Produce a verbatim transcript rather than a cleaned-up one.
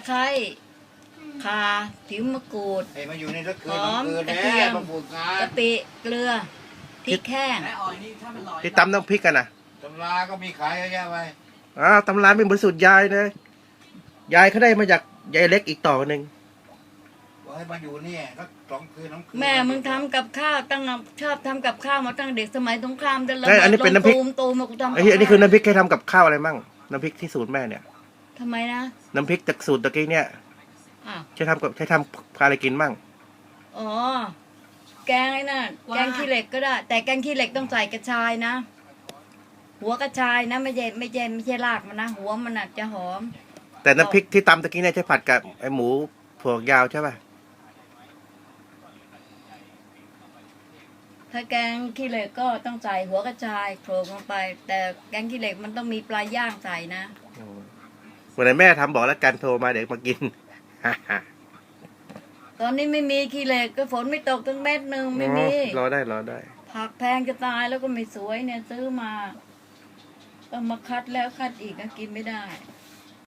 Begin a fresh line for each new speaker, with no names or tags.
ไคร้ข่าผิวมะกรูด
ไอ้มาอยู่ในรถคื
ห
น
อม
คืน
กระ
แน่
เทียม
มาปลูกงาน
กะปิเกลือพริกแห้ง
ที่ตำน้ำพริกกันนะ
ตำราก็มีขายเยอะแยะไป
อ้าวตำร้านเป็นบริสุทธิ์ยายนะยายเขาได้มาจากยายเล็กอีกต่อหนึ่ง
บอกให้มาอยู่เนี่ยก็สองคืนน้ำคืน
แม่มึงทำกับข้าวตั้งชอบทำกับข้าวมาตั้งเด็กสมัยสงครามจะระ
เอ้ยอันนี้เป็นน้ำพริก
ตูมตูมมากูทำ
ไอ้ที่อันนี้คือน้ำพริกใครทำกับข้าวอะไรมั่งน้ำพริกที่สูตรแม่เนี่ย
ทำไมนะ
น้ำพริกจากสูตรตะกี้เนี่ย
อ้าว
ใช้ทำกับใช้ทำอะไรกินมั่ง
อ๋อแกงไอ้นั่นแกงขี้เหล็กก็ได้ แต่แกงขี้เหล็กต้องใส่กระชายนะ หัวกระชายนะไม่ใช่ไม่ใช่ไม่ใช่รากมันนะหัวมันน่ะจะหอม
แต่น้ำพริกที่ตำตะกี้เนี่ยใช้ผัดกับไอ้หมูถั่วยาวใช่ป่ะ
ถ้าแกงขี้เหล็กก็ต้องใส่หัวกระชายโขลกลงไป แต่แกงขี้เหล็กมันต้องมีปลาย่างใส่นะ
วันไหนแม่ทำบอกแล้วกันโทรมาเดี๋ยวมากิน
ตอนนี้ไม่มีขี้เหล็กก็ฝนไม่ตกตั้งเม็ดหนึ่งไม่มี
รอได้รอได้
ผักแพงจะตายแล้วก็ไม่สวยเนี่ยซื้อมาต้องมาคัดแล้วคัดอีกก็กินไม่ได้